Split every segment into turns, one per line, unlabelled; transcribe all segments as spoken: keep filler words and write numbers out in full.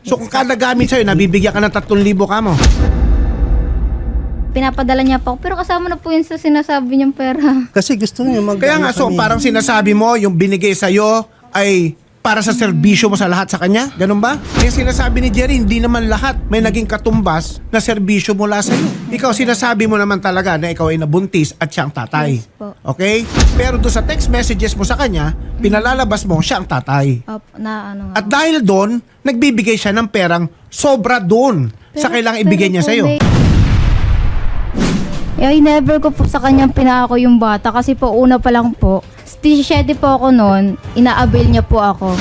So kung kada gamit sa'yo, nabibigyan ka ng tatlong libo ka mo.
Pinapadala niya pa ako. Pero kasama na po yun sa sinasabi niyang pera.
Kasi gusto niya mag-
Kaya nga, so
kami.
parang sinasabi mo, yung binigay sa'yo ay para sa serbisyo mo sa lahat sa kanya? Ganun ba? Kaya sinasabi ni Jerry, hindi naman lahat may naging katumbas na serbisyo mula sa'yo. Ikaw, sinasabi mo naman talaga na ikaw ay nabuntis at siya ang tatay.
Yes po.
Okay? Pero doon sa text messages mo sa kanya, pinalalabas mo siya ang tatay.
Opo, na ano nga.
At dahil doon, nagbibigay siya ng perang sobra doon sa kailangang ibigay niya
po,
sa'yo.
may- Eh, ay never ko po sa kanyang pinako yung bata kasi po una pa lang po, stisiyete po ako noon, ina-avail niya po ako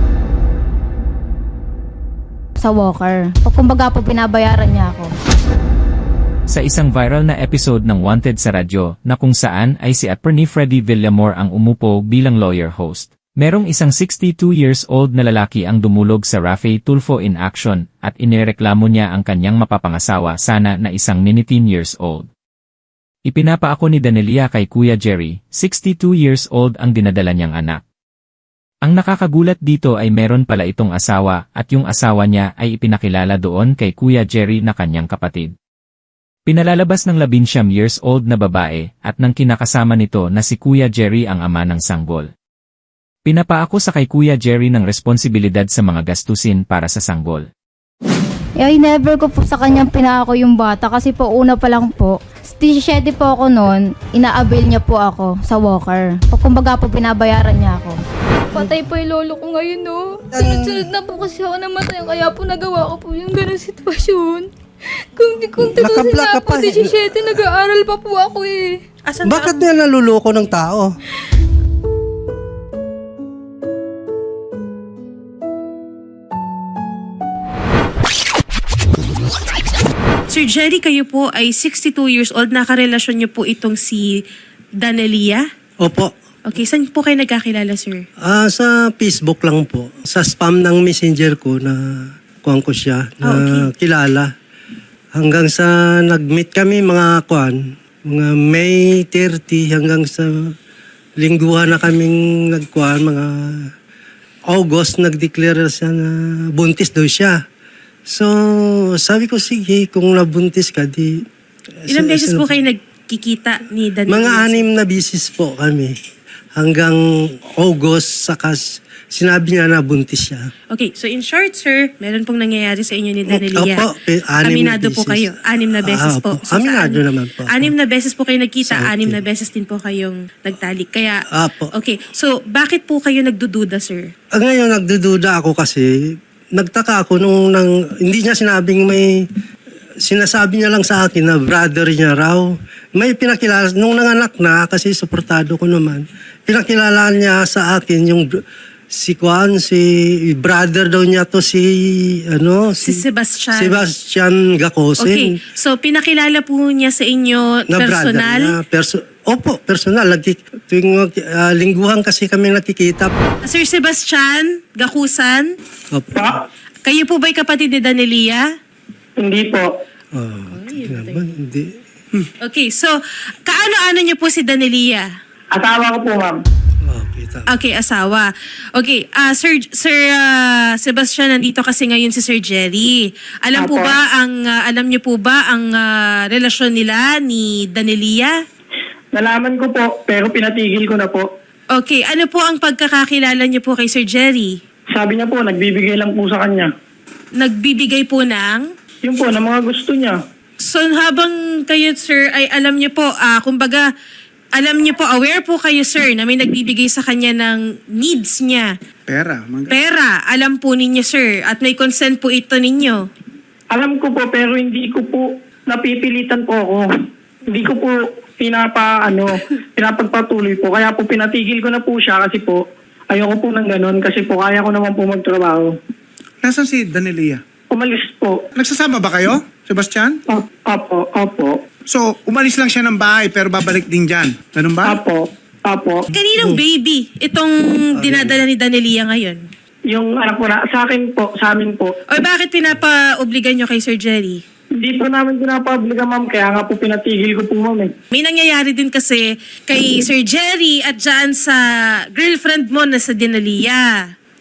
sa walker. O kumbaga po pinabayaran niya ako.
Sa isang viral na episode ng Wanted sa radyo na kung saan ay si Attorney Freddy Villamor ang umupo bilang lawyer host. Merong isang sixty-two years old na lalaki ang dumulog sa Rafe Tulfo in action at inireklamo niya ang kanyang mapapangasawa sana na isang nineteen years old. Ipinapaako ni Danelia kay Kuya Jerry, sixty-two years old ang dinadala niyang anak. Ang nakakagulat dito ay meron pala itong asawa at yung asawa niya ay ipinakilala doon kay Kuya Jerry na kanyang kapatid. Pinalalabas ng labinsyam years old na babae at nang kinakasama nito na si Kuya Jerry ang ama ng sanggol. Pinapaako sa kay Kuya Jerry ng responsibilidad sa mga gastusin para sa sanggol.
Eh, ay never ko po sa kanyang pinako yung bata kasi po una pa lang po, stisiyete po ako noon, ina-avail niya po ako sa walker. O kumbaga po pinabayaran niya ako. Patay pa yung lolo ko ngayon, no? Sunod-sunod na po kasi ako namatay, kaya po nagawa ko po yung ganun sitwasyon. Kung di kung tutusin
Nakablock
na
ka
po,
pa.
stisiyete, nag-aaral pa po ako eh.
Asan
Bakit
ba?
niya naluloko ng tao?
Sir Jerry, kayo po ay sixty-two years old. Nakarelasyon niyo po itong si Danelia?
Opo.
Okay, saan po kayo nagkakilala, sir?
Ah, sa Facebook lang po. Sa spam ng messenger ko na kuhan ko siya na
Ah,
kilala. Hanggang sa nag-meet kami mga kuhan, mga May thirty hanggang sa lingguhan na kaming nagkuhan, mga August nag-declare siya na buntis daw siya. So, sabi ko, sige, kung nabuntis ka, di...
Ilang
sa-
beses
sa-
po kayo nagkikita ni Danelia?
Mga anim na bisis po kami. Hanggang August, saka s- sinabi niya na buntis siya.
Okay, so in short, sir, meron pong nangyayari sa inyo ni Danelia.
Opo, eh, anim na
Aminado po
beses.
kayo. Anim na beses
Ah,
po.
opo. Aminado
sa anim-
naman po ako.
Anim na beses po kayo nagkita,
Sa
anim
akin.
na beses din po kayong nagtalik. Kaya,
Apo.
okay. So, bakit po kayo nagdududa, sir?
Ah, ngayon, nagdududa ako kasi nagtaka ako nung nang, hindi niya sinabing may... Sinasabi niya lang sa akin na brother niya raw. May pinakilala, nung nanganak na, kasi suportado ko naman, pinakilala niya sa akin yung br- si Juan, si brother daw niya to si, ano,
Si Sebastian.
Sebastian Gacosin.
Okay. So, pinakilala po niya sa inyo
Na brother
personal?
niya. Perso- Opo, personal. Lagi, tuwing uh, lingguhan kasi kami nakikita.
Sir Sebastian Gakusan,
Opo.
kayo po ba'y kapatid ni Danelia?
Hindi po.
Oh, naman, hindi.
Okay, so, kaano-ano niyo po si Danelia?
Asawa ko po, ma'am.
Okay, tama.
Okay, asawa. Okay, ah Sir Sir ah, Sebastian, nandito kasi ngayon si Sir Jerry. Alam po
Apo.
ba ang ah, alam niyo po ba ang ah, relasyon nila ni Danelia?
Nalaman ko po, pero pinatigil ko na po.
Okay, ano po ang pagkakakilala niyo po kay Sir Jerry?
Sabi niya po, nagbibigay lang po sa kanya.
Nagbibigay po ng
Yun po, ng mga gusto niya.
So habang kayo sir ay alam niyo po, ah kumbaga alam niyo po, aware po kayo sir na may nagbibigay sa kanya ng needs niya.
Pera.
Pera, alam po ninyo sir at may consent po ito ninyo.
Alam ko po, pero hindi ko po napipilitan po ako. Hindi ko po pinapa, ano, pinapagpatuloy po. Kaya po pinatigil ko na po siya kasi po, ayoko po ng ganun kasi po kaya ko naman po magtrabaho.
Nasaan si Danelia?
Umalis po.
Nagsasama ba kayo, Sebastian?
O- Opo, opo,
So, umalis lang siya ng bahay pero babalik din dyan. Ganun ba?
opo, opo.
Kaninong baby itong dinadala ni Danelia ngayon?
Yung anak ko na, sa akin po, sa amin po.
O bakit pinapa-obligan nyo kay Sir Jerry?
Hindi po namin pinapabliga, ma'am. Kaya nga po pinatigil ko po, ma'am. Eh.
May nangyayari din kasi kay Sir Jerry at dyan sa girlfriend mo na sa Danelia.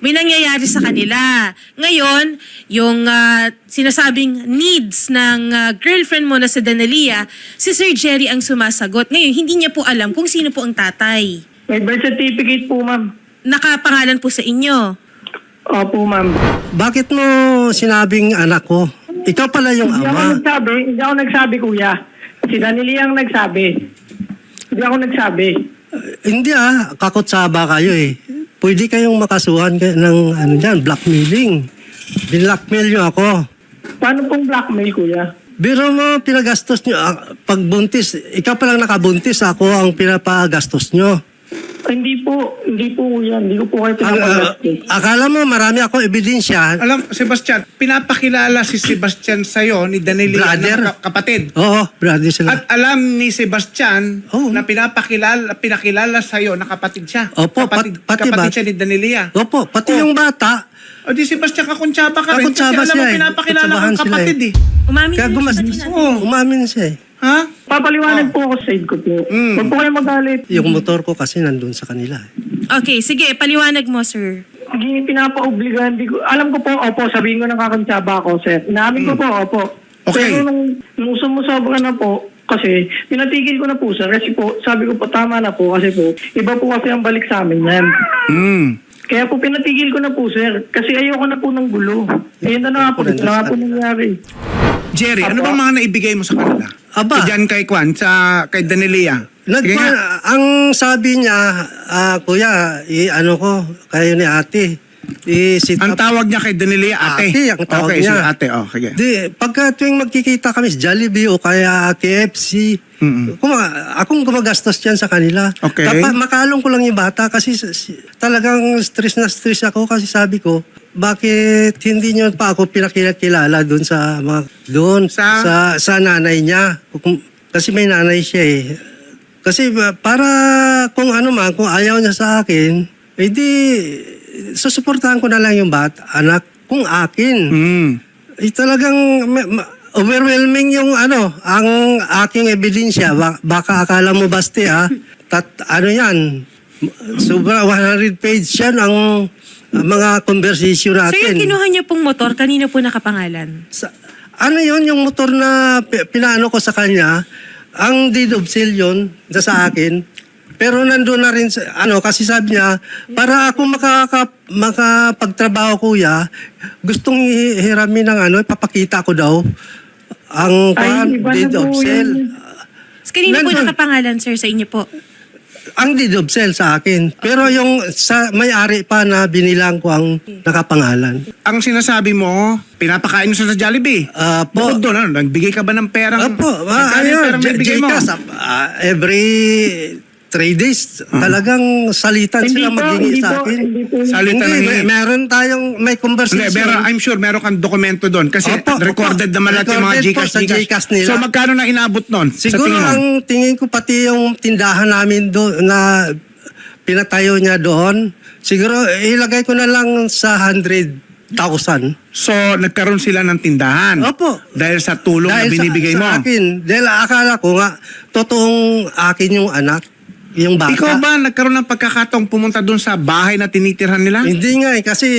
may nangyayari sa kanila. Ngayon, yung ah, sinasabing needs ng ah, girlfriend mo na si Danalia, si Sir Jerry ang sumasagot. Ngayon, hindi niya po alam kung sino po ang tatay.
May birth certificate po, ma'am.
Nakapangalan po sa inyo.
Opo, ma'am.
Bakit mo sinabing anak ko? Ikaw pala yung
Hindi ako
ama.
nagsabi, hindi ako nagsabi, kuya. Si Danilia ang nagsabi. Hindi ako nagsabi.
Hindi ah, kakutsaba kayo eh. Pwede kayong makasuhan kay- ng ano dyan, blackmailing. Binlackmail nyo ako.
Paano pong blackmail, kuya?
Biro mo, pinagastos nyo. ah, Pag buntis, ikaw palang nakabuntis, ako ang pinapagastos nyo.
Ay, hindi po, hindi po, kuya. Hindi ko po kayo
Ang, ah,
pinapagastos.
akala mo marami ako ebidensya.
Alam, Sebastian, pinapakilala si Sebastian sa'yo ni Danelia
Brother.
na ka- kapatid.
Oo, brother sila.
At alam ni Sebastian
Oo.
na pinapakilala, pinakilala sa'yo na kapatid siya.
Opo,
kapatid,
pat- pati
kapatid
ba?
siya ni Danelia.
Opo, pati
Oh.
yung bata.
O di Sebastian, kakuntsaba ka rin. Kasi
Kakuntsaba
alam
siya
mo,
eh.
pinapakilala
Kakunsabahan
kang
sila
kapatid
eh.
eh.
Umamin
Kaya
din
gumas,
siya sa
Oo.
umamin siya eh.
Ha?
Papaliwanag po ako sa side ko po.
Mm.
Huwag po kayo magalit.
Yung motor ko kasi nandun sa kanila eh.
Okay, sige, paliwanag mo, sir.
Hindi pinapa-obligahan. Di ko, alam ko po, opo, sabihin ko nakakantsaba ako, sir. Inamin ko po, opo.
Okay.
Pero nung, nung sumusobra na po, kasi pinatigil ko na po, sir. Kasi po, sabi ko po, tama na po. Kasi po, iba po kasi ang balik sa amin yan.
Hmm.
Kaya po pinatigil ko na po, sir. Kasi ayoko na po ng gulo. Ayun na na nga po, ito na nga po nangyari.
Jerry, ano
Apo.
bang mga naibigay mo sa kanila?
Aba.
Diyan kay Kwan, sa, kay Danelia.
Nagpa,
Sige nga.
ang sabi niya, ah, kuya, i, ano ko, kayo ni ate, i-sit
Ang
up.
tawag niya kay Danelia, ate.
Ate, ang tawag
okay,
niya.
sige, ate, oh, sige.
Di, pagka tuwing magkikita kami sa Jollibee o kaya K F C,
Mm-mm.
kuma, akong gumagastos yan sa kanila.
Okay.
Tapa, makalong ko lang yung bata kasi s- s- talagang stress na stress ako kasi sabi ko, bakit hindi niyo pa ako pinakilala doon sa mga doon
Sa?
sa sa nanay niya. Kung- Kasi may nanay siya eh. Kasi ba- para kung ano man, kung ayaw niya sa akin, eh di susuportahan ko na lang yung bata, anak kung akin.
Hmm.
Eh, talagang ma- ma- overwhelming yung ano, ang aking ebidensya. Ba- baka akala mo basti ah. Tat, ano yan, sobra one hundred page yan ang uh, mga conversation
Sir, yung
natin.
kinuha niyo pong motor, kanina po nakapangalan.
Sa, ano yon yung motor na pi- pinaano ko sa kanya, ang deed of sale yun na sa akin. Pero nandun na rin, sa, ano, kasi sabi niya, para ako makaka, makapagtrabaho kuya, gustong hiramin ng ano, ipapakita ko daw ang
Ay,
kwan,
iba na
deed of
po
sale.
yun.
So, kanina po
Nandun.
nakapangalan, sir, sa inyo po.
Ang deed of sale sa akin. Pero yung sa may-ari pa na binilang ko ang nakapangalan.
Ang sinasabi mo, pinapakain mo siya sa Jollibee.
Ah, po.
Bukod doon, ano, nagbigay ka ba ng perang?
Opo,
Magkano
ah,
yung
ayun,
perang
J-
naibigay mo?
Jcas, ah, every three days, talagang salitan
Hindi
sila
po,
maghingi
hindi
sa
po,
akin.
hindi po.
Salitan
Hindi,
ng
may,
hingi.
meron tayong, may
Hindi,
conversation.
pero I'm sure meron kang dokumento doon. Kasi
Opo, opo.
recorded naman lahat yung mga
Recorded po
Gcash,
sa Gcash nila.
So magkano na inabot nun? sa
Siguro
tingin mo?
ang tingin ko pati yung tindahan namin doon na pinatayo niya doon, siguro ilagay ko na lang sa one hundred thousand.
So nagkaroon sila ng tindahan.
Opo.
Dahil sa tulong na binibigay
sa,
mo.
sa akin, dahil akala ko nga, totoong akin yung anak, yung bata.
Ikaw ba nagkaroon ng pagkakataong pumunta doon sa bahay na tinitirhan nila?
Hindi nga eh, kasi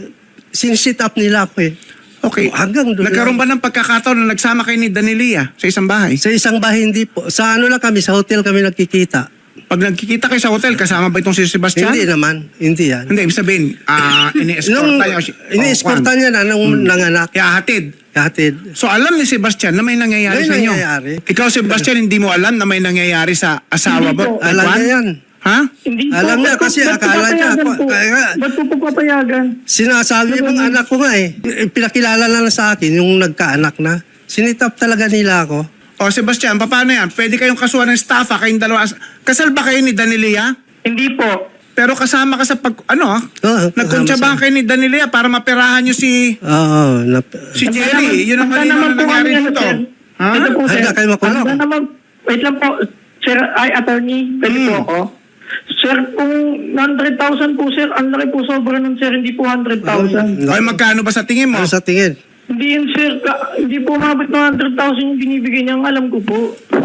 sin-sit up nila ako eh.
Okay.
Hanggang doon
Nagkaroon
lang.
ba ng pagkakataon na nagsama kayo ni Danelia sa isang bahay?
Sa isang bahay hindi po. Sa ano lang kami, sa hotel kami nagkikita.
Pag nagkikita kayo sa hotel, kasama ba itong si Sebastian?
Hindi naman, hindi yan.
Hindi, ibig sabihin, ah,
Nung
ini-escorta niya. si-
ini-escorta
oh,
niya na nung
Hmm.
nanganak.
Kaya hatid.
Hatid.
So alam ni Sebastian na may nangyayari
May
sa inyo.
nangyayari.
Ikaw, Sebastian, hindi mo alam na may nangyayari sa asawa
Hindi
mo?
po.
Kay
Alam
Juan?
niya yan.
Ha?
Hindi po.
Alam niya
Ba't po-
kasi
ba't po
akala niya,
papayagan po?
kaya nga-
Ba't po po papayagan?
Sinasabi mong anak ko nga eh. Pinakilala na lang sa akin yung nagkaanak na. Sinitap talaga nila ako.
O Sebastian, paano yan? Pwede kayong kasuhan ng staffa, kayong dalawa. Kasal ba kayo ni Danelia?
Hindi po.
Pero kasama ka sa pag... Ano ah?
Oo,
Nagkuntsabahan
kasama
kayo ni Danelia para maperahan nyo si...
Oo. nap-
Si Jerry. Yun ang
Handa
malinaw
naman
na
po
nangyari
kami, ano,
dito.
sir.
Ha?
Ito po, sir.
Handa kayo makulong.
Handa naman. Wait lang po. Sir, ay, attorney, pwede
Hmm.
po ako. Sir, kung one hundred thousand po, sir, ang laki po sobra nun, sir, hindi po one hundred thousand.
Ay, magkano ba sa tingin mo?
Ano sa tingin?
Hindi yun, sir. Ka- hindi po umabot ng one hundred thousand yung binibigay niya. Ang alam ko po.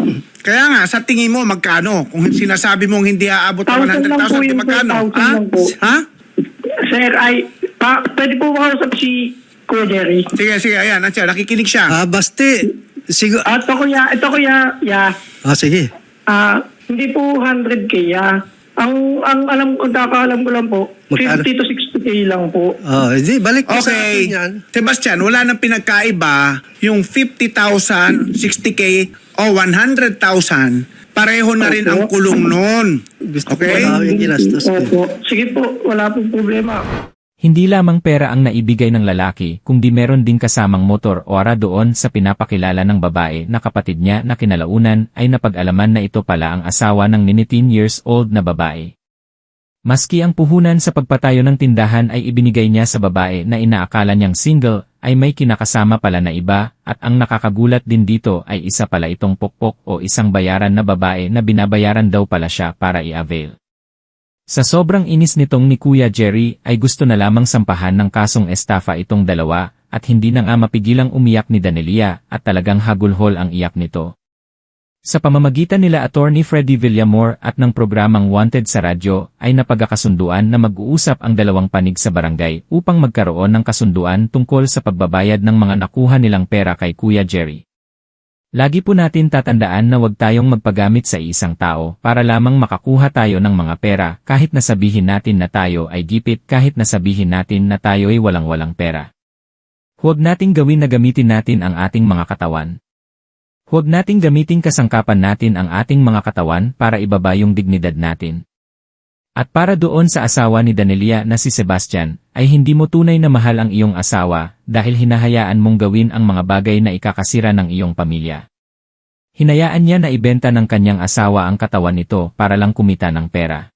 Kaya nga, sa tingin mo, magkano? Kung sinasabi mong hindi aabot ng
Thousand
one hundred
lang po
thousand, di
yun, sir.
magkano?
Thousand
Ha?
lang po.
Ha?
Sir, ay, pa, pwede po makausap si Kuya Jerry.
Sige, sige, ayan, nandiyan, nakikinig siya.
Ah, basti. Siguro.
At ito kuya, ito kuya, ya.
Ah, sige.
Ah, hindi po one hundred K, ya. Ang ang alam ko, kakaalam ko lang po,
Magkano?
fifty to sixty K lang po.
Ah, hindi, balik mo sa
Okay.
akin yan.
Sebastian, wala nang pinagkaiba yung fifty thousand, sixty K o one hundred thousand. Pareho na rin ang kulong nun.
Gusto
Okay?
ko yung ginastos ko.
Opo. Sige po, wala pong problema.
Hindi lamang pera ang naibigay ng lalaki, kundi meron din kasamang motor o ara doon sa pinapakilala ng babae na kapatid niya na kinalaunan ay napag-alaman na ito pala ang asawa ng nineteen years old na babae. Maski ang puhunan sa pagpatayo ng tindahan ay ibinigay niya sa babae na inaakala niyang single, ay may kinakasama pala na iba, at ang nakakagulat din dito ay isa pala itong pokpok o isang bayaran na babae na binabayaran daw pala siya para i-avail. Sa sobrang inis nitong ni Kuya Jerry ay gusto na lamang sampahan ng kasong estafa itong dalawa at hindi na nga mapigilang umiyak ni Danelia at talagang hagulhol ang iyak nito. Sa pamamagitan nila Attorney Freddy Villamor at ng programang Wanted sa radyo ay napagkakasunduan na mag-uusap ang dalawang panig sa barangay upang magkaroon ng kasunduan tungkol sa pagbabayad ng mga nakuha nilang pera kay Kuya Jerry. Lagi po natin tatandaan na huwag tayong magpagamit sa isang tao para lamang makakuha tayo ng mga pera kahit na sabihin natin na tayo ay gipit kahit na sabihin natin na tayo ay walang-walang pera. Huwag nating gawin na gamitin natin ang ating mga katawan. Huwag nating gamitin kasangkapan natin ang ating mga katawan para ibaba yung dignidad natin. At para doon sa asawa ni Danelia na si Sebastian, ay hindi mo tunay na mahal ang iyong asawa dahil hinahayaan mong gawin ang mga bagay na ikakasira ng iyong pamilya. Hinayaan niya na ibenta ng kanyang asawa ang katawan nito para lang kumita ng pera.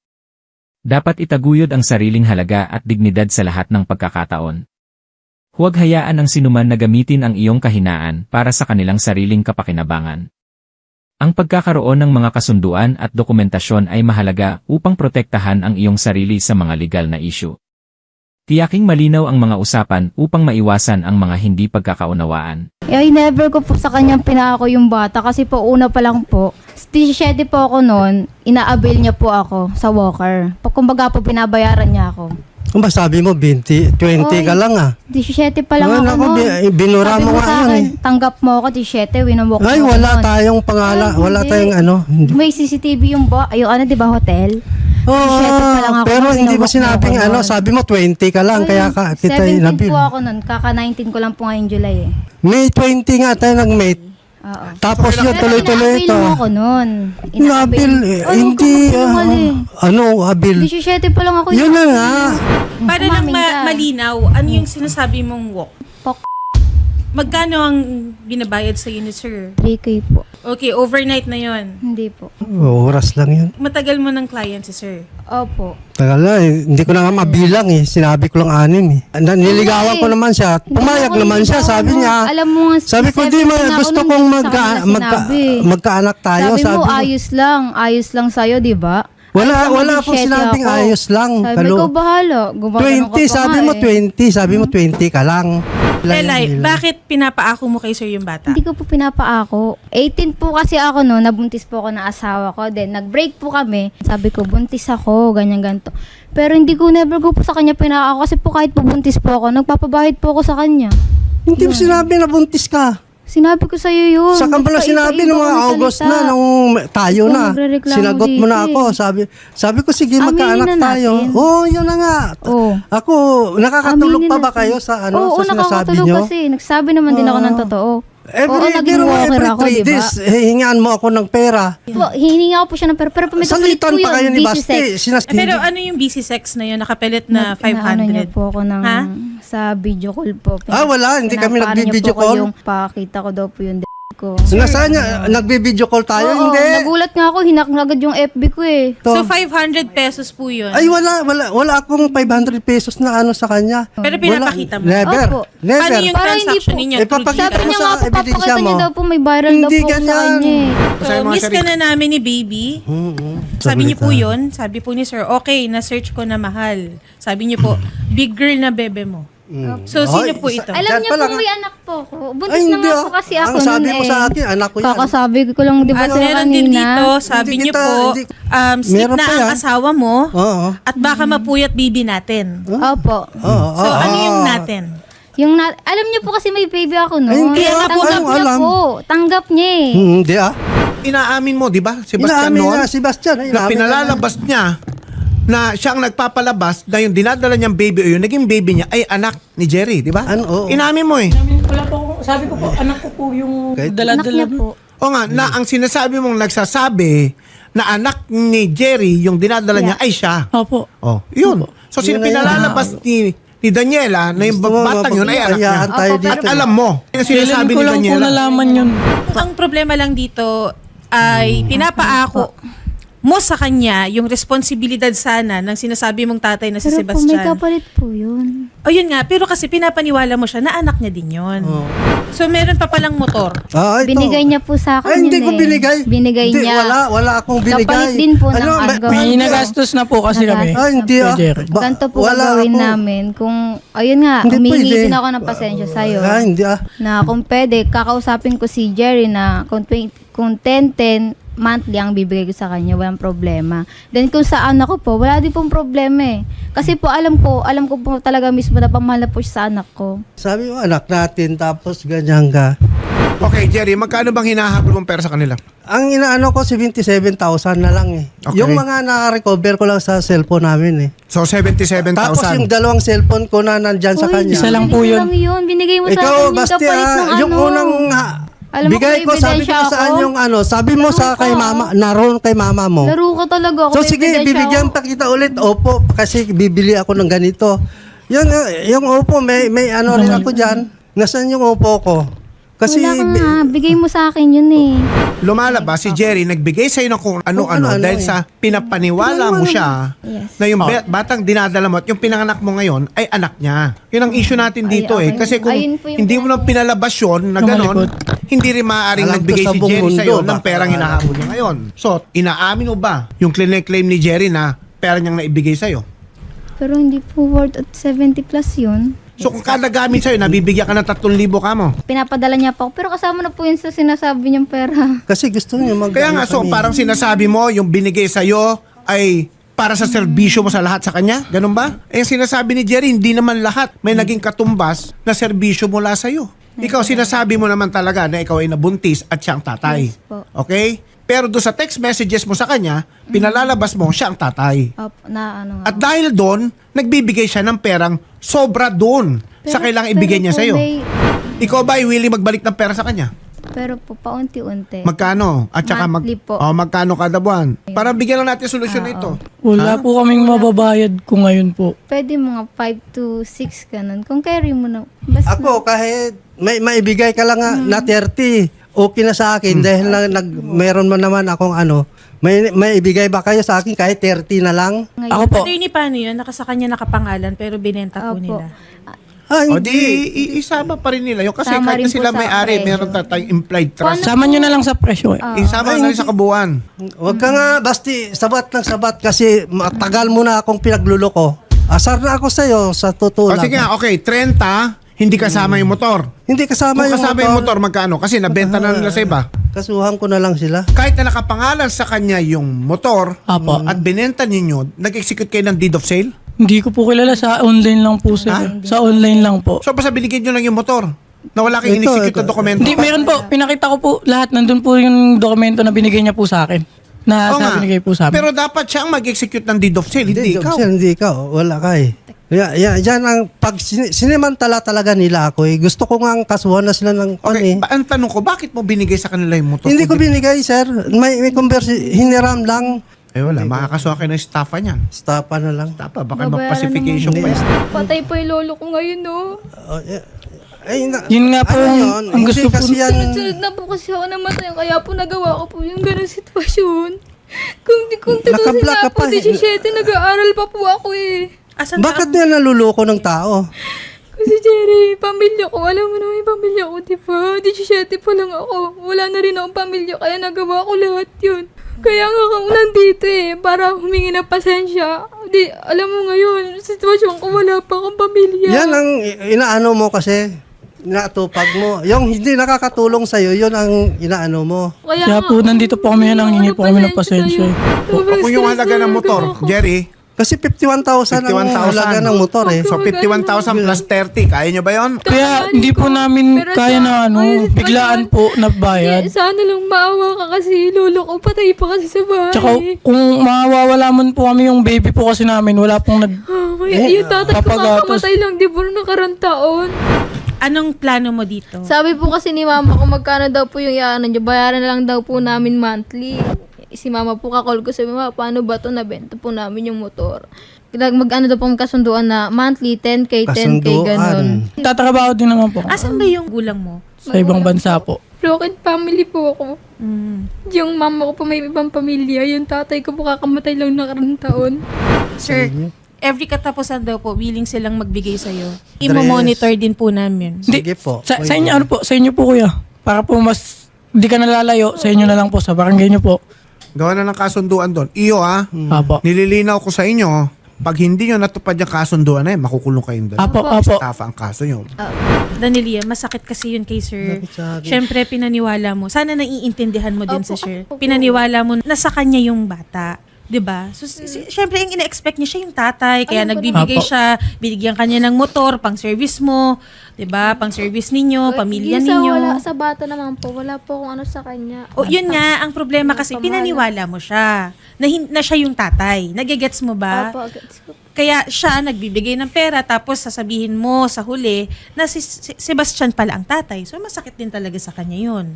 Dapat itaguyod ang sariling halaga at dignidad sa lahat ng pagkakataon. Huwag hayaan ang sinuman na gamitin ang iyong kahinaan para sa kanilang sariling kapakinabangan. Ang pagkakaroon ng mga kasunduan at dokumentasyon ay mahalaga upang protektahan ang iyong sarili sa mga legal na issue. Tiyaking malinaw ang mga usapan upang maiwasan ang mga hindi pagkakaunawaan.
Eh, ay never ko po sa kanyang pinako yung bata kasi po una pa lang po, siyete po ako noon, ina-avail niya po ako sa Walker. Pag kumbaga po binabayaran niya ako.
Kung ba sabi mo, twenty, twenty ka
Oy,
lang ah.
siyete pa lang
Ay,
ako
naku,
noon.
bi- binura
Sabi
mo nga
sa
yan
akin,
eh.
tanggap mo ako, siyete, winamok
Ay,
mo
wala
ako nun.
tayong pangala,
Ay,
wala
hindi.
tayong ano. Hindi.
May C C T V yung bo, yung ano, di ba, hotel?
Oo,
siyete pa lang ako,
pero hindi mo
winamok mo
sinabing
ako
ano,
nun.
sabi mo twenty ka lang,
Ay,
kaya ka, kita
seventeen
inabil.
po ako nun, kaka nineteen ko lang po ngayong July eh.
May twenty nga tayo nag-mate.
Oo.
Tapos yun,
Pero
tuloy-tuloy
ina-avail
ito.
mo ako nun.
Inabil, eh,
Ay,
hindi,
huwag ka
ah,
magsinungaling.
ano, abil.
siyete pa lang ako.
Yun na nga.
Para lang
Umamin
ma-
ka.
malinaw, ano yung sinasabi mong walk?
Pok.
Magkano ang binabayad sa ni sir?
three K po.
Okay, overnight na yon.
Hindi po.
Oras lang yun.
Matagal mo ng client si sir.
Opo.
Tagal na eh. Hindi ko na nga mabilang eh. Sinabi ko lang anim eh. Na- Niligawan ko naman siya. Pumayag
Hindi
naman
ako
siya.
niligawan
Sabi
mo.
niya.
Alam mo nga,
Sabi ko, di
seventeen
ma,
na ako
gusto
nung
kong
hindi
magka,
sa kanila
magka,
sinabi.
magkaanak tayo.
Sabi,
Sabi
mo,
ko,
ayos lang. Ayos lang sa'yo, di ba?
Wala,
Ay,
wala
tama,
akong
siyete
sinabing
ako.
ayos lang.
Sabi
Kalo-
ko, bahala. Gumagano
twenty, sabi mo twenty. Sabi mo twenty ka lang. Lang
Lelay,
yun.
bakit pinapaako mo kay sir yung bata?
Hindi ko po pinapaako. eighteen po kasi ako no, nabuntis po ako ng asawa ko. Then, nag-break po kami. Sabi ko, buntis ako, ganyan, ganito. Pero hindi ko never ko po sa kanya pinaako kasi po kahit po buntis po ako, nagpapabahid po ako sa kanya.
Hindi mo sinabi na buntis ka.
Sinabi ko sa'yo yun.
Sa kambala
Basta
sinabi
iba-iba
ng mga
ko
August
salita.
na, nung tayo
Ikaw
na.
nagrereklamo
Sinagot mo na
dito
ako.
eh.
Sabi sabi ko, sige,
Aminin
magkaanak
na
tayo.
natin.
Oo, oh, yun na nga.
Oo.
Ako, nakakatulog
Aminin
pa ba
natin.
kayo sa ano
Oo,
sa sinasabi
nakakatulog
nyo?
kasi. Nagsabi naman din ako ng totoo.
Every,
Oo, naging
biro mo,
walker
every
ako,
three
di ba?
days, eh, hingaan mo ako ng pera.
Po, hininga ko po siya ng pera. Pero may kapalit
Salitan
po
pa
yun.
kayo ni
busy
Basti.
sex.
Sinas-
Eh, pero ano yung busy sex na yun? Nakapelit na
Nag-
five
inaano niya
hundred.
po ako ng,
Ha?
sa video call po.
Ah, wala. Hindi kami
Pinapaano niya
nagbi-video
po ko
call.
Yung pakita ko daw po yung d- ko.
Nasaan niya? Nagbe-video call tayo?
Oo,
Hindi.
nagulat nga ako. Hinak na agad yung F B ko eh.
To.
So five hundred pesos po yun.
Ay, wala, wala, wala akong five hundred pesos na ano sa kanya.
Pero
Wala.
pinapakita mo.
Never.
Opo.
Never.
Paano yung
Para hindi
transaction
po-
ninyo?
Eh, papakita
Sabi
mo
niya
sa
nga po,
ebidensya
papakita
mo.
niya daw po may viral daw
Hindi
po sa
ganyan.
kanya eh.
So,
Sa mga
miss ka
sarili-
na namin ni baby.
Mm-hmm.
Sabi niyo po yun, sabi po ni sir, okay, na-search ko na mahal. Sabi niyo po, big girl na bebe mo. So, sino po
Ay,
ito?
sa-
Alam
Dyan
niyo
pa
po
lang,
may
ah.
anak po ako. Buntis
Ay,
na
hindi
nga
ah.
po kasi ako
Ang sabi
nun
mo
eh.
sa akin, anak ko yan.
Kakasabi ko lang di ba
At
sa
meron din
kanina.
dito, sabi
Hindi
niyo
kita-
po,
hindi-
um, sick
Meron
na
pa
ang
yan.
asawa mo
Oo.
at baka mapuyat bibi natin.
Opo.
Oo.
So,
oo,
ano yung
oo.
natin?
Yung na, alam niyo po kasi may baby ako no.
Ay, hindi
ah.
Tanggap
Anong
niya
alam?
po. Tanggap niya eh.
Hmm, Hindi ah.
Inaamin mo, di ba, Sebastian
Inaamin
noon?
niya, Sebastian. ay,
Na
inaamin
pinalalabas niya na siya ang nagpapalabas na yung dinadala niyang baby o yung naging baby niya ay anak ni Jerry, di ba?
Ano, oo.
Inamin mo eh.
Wala po, ako- sabi ko po, anak ko po yung
Kahit-
Anak
dala-dala.
niya po.
O nga, na ang sinasabi mong nagsasabi na anak ni Jerry yung dinadala niya ay siya.
Opo.
Oh, yun. So, sino
Yun na yun.
pinalalabas ni ni Daniela na yung
Gusto mo,
batang yun ay anak niya.
mapagpapayahan tayo
Opo,
dito.
pero-
Alam mo, yung sinasabi
Kailan
ni
ko lang po
Daniela.
nalaman yun.
Ang problema lang dito ay pinapaako mo sa kanya yung responsibilidad sana ng sinasabi mong tatay na si
Pero po may
Sebastian.
kapalit po yun.
O yun nga, pero kasi pinapaniwala mo siya na anak niya din yun. So meron pa palang motor.
Ah, ito.
Binigay niya po sa akin
Ay, hindi
yun
ko
eh.
binigay.
Binigay
Hindi,
niya.
Wala, wala akong binigay.
Kapalit din po ng
Ano, ma-
argo.
May
hindi, ah.
nagastos na po kasi kami.
Ah, hindi ah.
Jerry.
Ba-
Ganito po
wala
gagawin
ako.
namin. Kung, ayun nga,
Hindi
humingi
pwede.
din ako ng pasensya sa'yo.
Ah, hindi ah.
Na kung pwede, kakausapin ko si Jerry na kung, twen- kung ten ten monthly ang bibigay ko sa kanya, walang problema. Then kung sa anak ko po, wala din pong problema eh. Kasi po alam ko, alam ko po talaga mismo na pamahal na po siya sa anak ko.
Sabi mo, anak natin, tapos ganyan ka.
Okay, Jerry, magkano bang hinahabol mong pera sa kanila?
Ang inaano ko, seventy-seven thousand na lang eh.
Okay.
Yung mga naka-recover ko lang sa cellphone namin eh.
So, seventy-seven
Tapos yung
thousand.
dalawang cellphone ko na nandyan sa
Uy,
kanya.
Isa lang
binigay
po yun.
lang yun. Binigay mo sa
Ikaw,
akin yung
basta
kapalit ng
ah, yung
ano.
unang ha,
Alam mo
bigay
kung
ko,
may
sabi ko
ebidensya
saan
ako?
yung ano, sabi mo
Laro
sa kay
ka.
mama, naroon kay mama mo.
Laro ka talaga ako.
So
may
sige,
ebidensya
bibigyan
ako.
pa kita ulit. Opo, kasi bibili ako ng ganito. Yung, uh, yung opo, may, may ano rin ako dyan. Nasaan yung opo ko? Kasi,
Wala ka
bi-
nga. Bigay mo sa akin yun eh.
Lumalabas si Jerry, nagbigay sa'yo ng kung ano-ano
ano-ano
dahil
eh.
sa pinapaniwala mo siya
Yes.
na yung be- batang dinadala mo at yung pinanganak mo ngayon ay anak niya. Yun ang issue natin
Ay,
dito eh.
okay.
Kasi kung
Ayun po yung
hindi mo nang pinalabas yun na gano'n, hindi rin maaaring
Alam ko
nagbigay
sa
si
buong
Jerry
mundo,
sa'yo ng
baka-
perang hinahabol niya ngayon. So, inaamin mo ba yung claim ni Jerry na pera niyang naibigay sa'yo?
Pero hindi po worth at seventy plus yun.
So, kung kada gamit sa'yo, nabibigyan ka ng tatlong libo ka mo.
Pinapadala niya pa ako. Pero kasama na po yun sa sinasabi niyang pera.
kasi gusto niya mag-
Kaya nga, so
kami.
parang sinasabi mo, yung binigay sa'yo ay para sa serbisyo mo sa lahat sa kanya? Ganun ba? Eh, yung sinasabi ni Jerry, hindi naman lahat may naging katumbas na serbisyo mula sa'yo. Ikaw, sinasabi mo naman talaga na ikaw ay nabuntis at siya ang tatay.
Yes po.
Okay? Pero doon sa text messages mo sa kanya, pinalalabas mo siya ang tatay.
Opo, na ano nga.
At dahil doon, nagbibigay siya ng perang sobra doon sa
Pero-
kailangang ibigay
pero
niya
po
sa'yo.
may-
Ikaw ba ay willing magbalik ng pera sa kanya?
Pero po, paunti-unti.
Magkano? At saka mag,
Monthly po.
oh, magkano kada buwan? Para bigyan lang natin solusyon na ito.
Wala po kaming mababayad ko ngayon po.
Pwede mga five to six ganun. Kung carry mo na. Basta
Ako, kahit may maibigay ka lang nga na thirty, okay na sa akin dahil na, nag, meron mo naman akong ano, may, may ibigay ba kayo sa akin kahit thirty na lang?
ngayon.
Ako po,
Attorney, paano yun? Nakasa kanya nakapangalan pero binenta po
Opo.
nila.
Ah,
O
hindi.
di, i- isama pa rin nila yun. Kasi
Sama
kahit
rin
na sila
po sa
may-ari,
presyo.
meron ta- tayong implied trust.
sama nyo na lang sa presyo eh.
Isama
Ay,
na rin sa kabuuan.
Huwag ka nga, basti, sabat ng sabat kasi matagal mo na akong pinagluloko. Asar na ako sa'yo sa totoo
O
lang.
sige nga, okay, thirty, hindi kasama yung motor.
Hindi kasama
Kung
yung
kasama
motor.
yung motor, magkano? Kasi nabenta na nila sa iba.
Kasuhan ko na lang sila.
Kahit na nakapangalan sa kanya yung motor
Apo.
at binenta ninyo, nag-execute kayo ng deed of sale?
Hindi ko po kilala, sa online lang po sir.
Ha?
Sa online lang po.
So, basta binigyan nyo lang yung motor na wala kayong
Ito,
in-execute
ito.
na dokumento.
Hindi, meron po. Pinakita ko po lahat. Nandun po yung dokumento na binigay niya po sa akin. Na
Oo nga.
sa binigay po sa amin.
Pero dapat siya ang mag-execute ng deed of sale, hindi,
Hindi,
ikaw.
Jobsel, hindi ikaw. Wala ka eh. Ya, ya, yan ang pag sin- sinimantala talaga nila ako eh. Gusto ko nga ang kasuhan na sila ng kon
Okay,
eh.
ba- ang tanong ko, bakit mo binigay sa kanila yung motor?
Hindi ko
Kung di-
binigay, sir. May, may conversi, hiniram lang.
Eh wala, makakasuha kayo ng staffa niyan.
Stapa na lang.
Staffa, baka
Babayaran
mag-pacification pa
naman.
yan.
Patay po yung lolo ko ngayon, no?
Oh, yeah. Ay, na,
Yun nga po
ano
ang-
yun?
ang gusto
Hindi
po-
kasi yan.
Sunod-sunod na po kasi ako namatay. Kaya po nagawa ko po yung ganong sitwasyon. Kung di kung tutusin
Nakablock
nga
ka
po,
pa.
seventeen, nag-aaral pa po ako eh.
Asan
Bakit
ka?
niya naluloko ng tao?
Kasi Jerry, pamilya ko, alam mo naman yung pamilya ko, di ba? seventeen pa lang ako. Wala na rin akong pamilya, kaya nagawa ko lahat yun. Kaya nga ako nandito eh, para humingi ng pasensya.
Hindi, alam mo ngayon, sitwasyon ko wala pa akong pamilya.
Yan ang i- inaano mo kasi, inaatupag mo. Yung hindi nakakatulong sa'yo, yun ang inaano mo.
Kaya
nga,
po, nandito po kami, nanghingi po kami ng pasensya.
sa'yo. Sobrang
Kung yung
stress
halaga ng
talaga
motor,
ako.
Jerry,
Kasi fifty-one thousand ang
fifty-one thousand.
halaga ng motor eh.
So fifty-one thousand plus thirty, kaya nyo ba yon?
Kaya hindi po namin
Pero
kaya
sa-
na ano,
ayun,
biglaan
pag-
po na bayad.
Eh, sana lang maawa ka kasi lolo ko patay pa kasi sa bahay.
Tsaka kung mawawala man po kami yung baby po kasi namin, wala pong nag...
Ah, may- yung tatay ko
papagatos.
kakamatay lang, di ba, nakarang taon.
Anong plano mo dito?
Sabi po kasi ni mama kung magkano daw po yung iaano niya, bayaran na lang daw po namin monthly. Si mama po kakall ko, sabi, mama, paano ba to nabenta po namin yung motor? Like, mag-ano daw pong kasunduan na monthly, ten K, ten K, ganun.
Kasunduan.
Tatrabaho din naman po
Asan ba yung gulang mo?
sa ibang bansa po.
Broken family po ako.
Mm.
Yung mama ko po may ibang pamilya, yung tatay ko po kakamatay lang nakarang taon.
Sir, every katapusan daw po, willing silang magbigay sa'yo. Imo-monitor din po namin.
Sige po.
Sa, sa inyo, ano po, sa inyo po kuya. Para po mas, di ka nalalayo, sa inyo na lang po, sa barangay nyo po.
Gawa na ng kasunduan doon. Iyo ha,
Apo.
nililinaw ko sa inyo, pag hindi nyo natupad yung kasunduan na yun, makukulong kayong dalawa.
Apo, apo.
Estafa ang kaso nyo.
Danelia, masakit kasi yun kay sir.
Masakit sa akin.
Siyempre, pinaniwala mo. Sana naiintindihan mo din
Opo,
sa sir.
opo.
Pinaniwala mo na sa kanya yung bata. 'Di ba? So, si- si- syempre, yung ina-expect niya siya yung tatay. Kaya
Alam ko
nagbibigay
Apo.
siya, binigyan kanya ng motor, pang service mo. 'Di ba? Pang service ninyo, pamilya
Yung sa,
ninyo.
Wala, sa bata naman po, wala po kung ano sa kanya.
O, yun nga, ang problema kasi,
Pamahal.
pinaniwala mo siya. Na, hin- na siya yung tatay. Nagigets mo ba?
Opo, gets ko.
Kaya siya nagbibigay ng pera tapos sasabihin mo sa huli na si, si Sebastian pala ang tatay. So masakit din talaga sa kanya yun.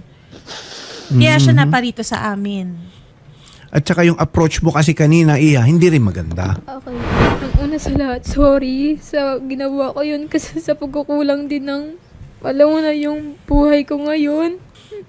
Kaya siya naparito sa amin.
At saka yung approach mo kasi kanina, Iya, hindi rin maganda.
Okay. Ang una sa lahat, sorry sa ginawa ko yun kasi sa pagkukulang din ng, alam mo na yung buhay ko ngayon.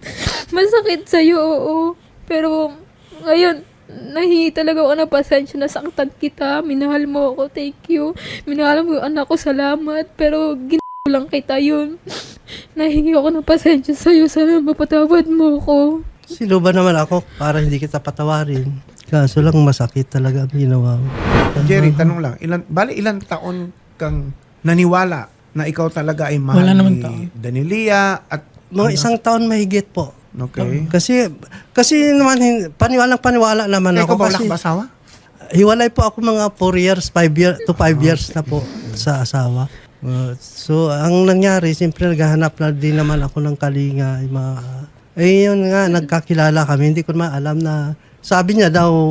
Masakit sa'yo, oo. Pero ngayon, nahingi talaga ako ng pasensya, nasaktan kita, minahal mo ako, thank you. Minahal mo yung anak ko, salamat. Pero ginawa lang kita yun. Nahingi ako ng pasensya sa'yo, sana mapatawad mo ko.
Sino ba naman ako para hindi kita patawarin? Kaso lang masakit talaga ang ginawa mo.
Jerry, tanong lang, ilan, bali ilang taon kang naniwala na ikaw talaga ay mahal
Wala naman
ni
taon.
Danelia at
Mga isang taon mahigit po.
okay.
Kasi kasi naman hin- paniwalang paniwala naman
Ikaw
ako
ba wala
kasi
kang asawa?
hiwalay po ako mga four years, five years to five years na po sa asawa. Uh, so ang nangyari, siyempre naghahanap na din naman ako ng kalinga, yung mga eh yun nga, nagkakilala kami, hindi ko naman alam na sabi niya daw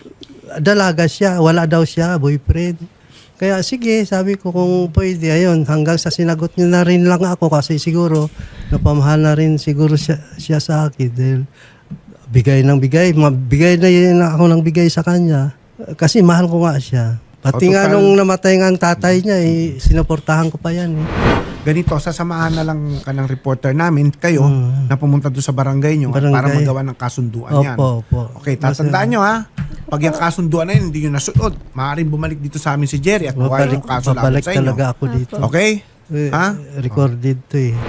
dalaga siya, wala daw siya boyfriend. Kaya sige, sabi ko kung pwede, ayun, hanggang sa sinagot niya na rin lang ako kasi siguro napamahal na rin siguro siya, siya sa akin dahil bigay ng bigay, mabigay na yun ako ng bigay sa kanya kasi mahal ko nga siya. Pati
O,
nga
total-
nung namatay nga ang tatay niya, eh, sinuportahan ko pa yan. Eh.
Ganito, sasamahan na lang ka ng reporter namin, kayo,
Mm.
na pumunta doon sa barangay nyo
Barangay.
para magawa ng kasunduan yan.
Opo, opo.
Okay, tatandaan nyo ha. Pag yung kasunduan na yun, hindi nyo nasunod, maaaring bumalik dito sa amin si Jerry at buhay
Babalik,
yung kaso laban
babalik
sa inyo.
talaga ako dito.
Okay?
Eh,
Ha?
Recorded to eh.